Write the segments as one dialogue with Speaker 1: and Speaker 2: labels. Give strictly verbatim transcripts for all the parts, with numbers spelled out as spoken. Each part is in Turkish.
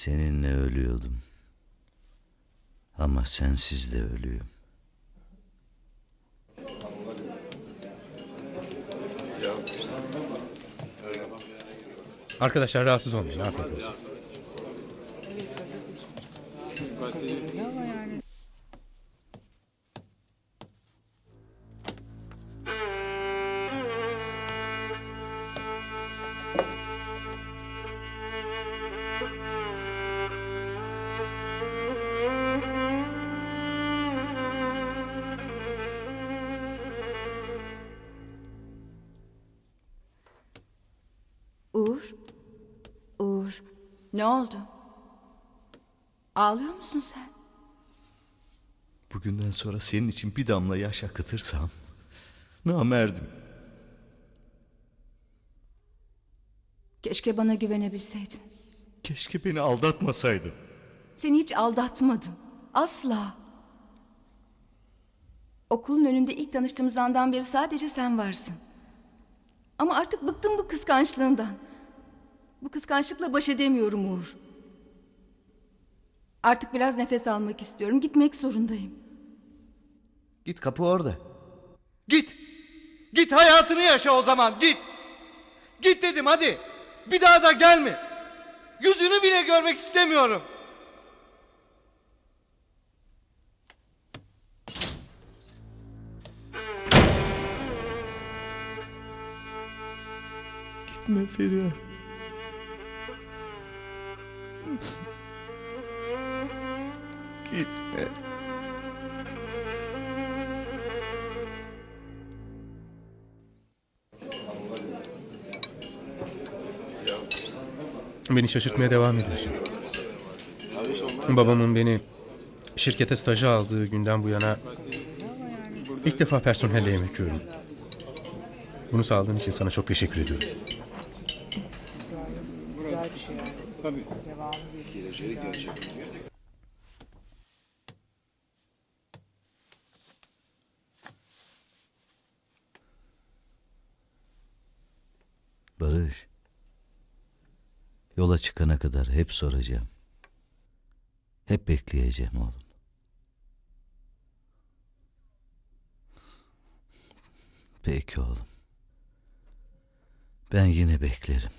Speaker 1: Seninle ölüyordum. Ama sensiz de ölüyüm.
Speaker 2: Arkadaşlar rahatsız olmayın. Afiyet olsun.
Speaker 3: Uğur, Uğur, ne oldu? Ağlıyor musun sen?
Speaker 1: Bugünden sonra senin için bir damla yaş akıtırsam namerdim.
Speaker 3: Keşke bana güvenebilseydin.
Speaker 1: Keşke beni aldatmasaydın.
Speaker 3: Seni hiç aldatmadım. Asla. Okulun önünde ilk tanıştığımız andan beri sadece sen varsın. Ama artık bıktım bu kıskançlığından. Bu kıskançlıkla baş edemiyorum Uğur. Artık biraz nefes almak istiyorum. Gitmek zorundayım.
Speaker 1: Git, kapı orada. Git. Git, hayatını yaşa o zaman, git. Git dedim, hadi. Bir daha da gelme. Yüzünü bile görmek istemiyorum. Gitme Feriha. Gitme.
Speaker 2: Beni şaşırtmaya devam ediyorsun. Babamın beni şirkete staja aldığı günden bu yana ilk defa personelle yemek yiyorum. Bunu sağladığın için sana çok teşekkür ediyorum.
Speaker 1: Barış, yola çıkana kadar hep soracağım. Hep bekleyeceğim oğlum. Peki oğlum. Ben yine beklerim.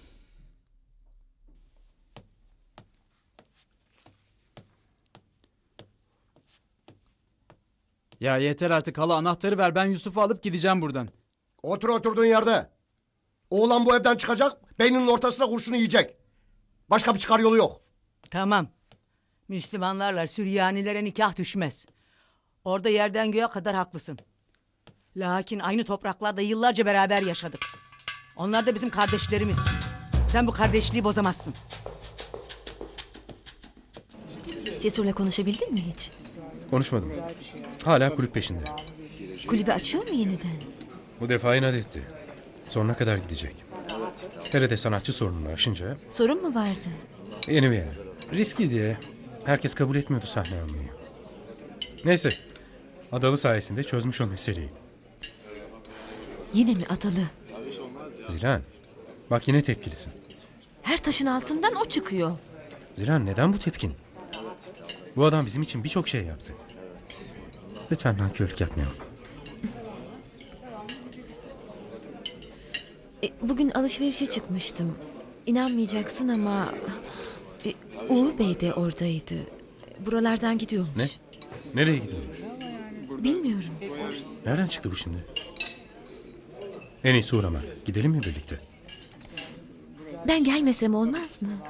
Speaker 4: Ya yeter artık hala, anahtarı ver, ben Yusuf'u alıp gideceğim buradan.
Speaker 5: Otur oturduğun yerde. Oğlan bu evden çıkacak, beyninin ortasına kurşunu yiyecek. Başka bir çıkar yolu yok.
Speaker 6: Tamam. Müslümanlarla Süryanilere nikah düşmez. Orada yerden göğe kadar haklısın. Lakin aynı topraklarda yıllarca beraber yaşadık. Onlar da bizim kardeşlerimiz. Sen bu kardeşliği bozamazsın.
Speaker 7: Cesur'la konuşabildin mi hiç?
Speaker 2: Konuşmadım. Hala kulüp peşinde.
Speaker 7: Kulübü açıyor mu yeniden?
Speaker 2: Bu defa inat etti. Sonuna kadar gidecek. Hele de sanatçı sorununu aşınca
Speaker 7: Sorun mu vardı?
Speaker 2: yeni bir yer. Riskli diye herkes kabul etmiyordu sahne almayı. Neyse. Adalı sayesinde çözmüş o meseleyi.
Speaker 7: Yine mi Adalı?
Speaker 2: Zilan, bak yine tepkilisin.
Speaker 7: Her taşın altından o çıkıyor.
Speaker 2: Zilan, neden bu tepkin? Bu adam bizim için birçok şey yaptı. Lütfen nankörlük yapmayalım.
Speaker 7: E, bugün alışverişe çıkmıştım. İnanmayacaksın ama... E, Uğur Bey de oradaydı. Buralardan gidiyormuş.
Speaker 2: Ne? Nereye gidiyormuş?
Speaker 7: Bilmiyorum.
Speaker 2: Nereden çıktı bu şimdi? En iyisi uğrama. Gidelim mi birlikte?
Speaker 7: Ben gelmesem olmaz mı?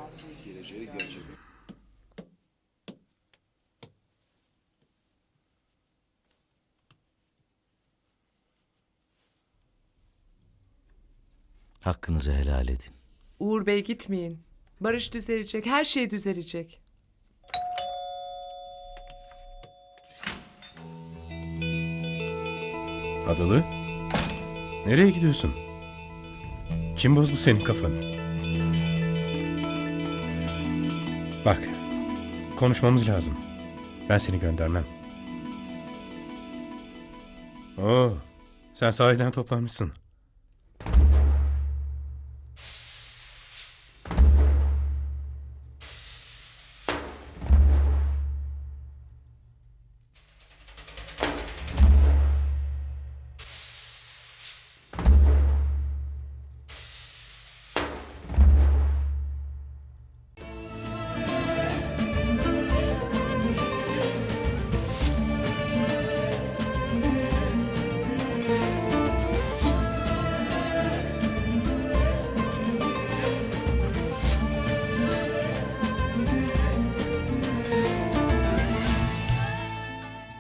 Speaker 1: Hakkınızı helal edin.
Speaker 8: Uğur Bey gitmeyin. Barış düzelecek, her şey düzelecek.
Speaker 2: Adalı? Nereye gidiyorsun? Kim bozdu senin kafanı? Bak, konuşmamız lazım. Ben seni göndermem. Oo, sen sahiden toplanmışsın.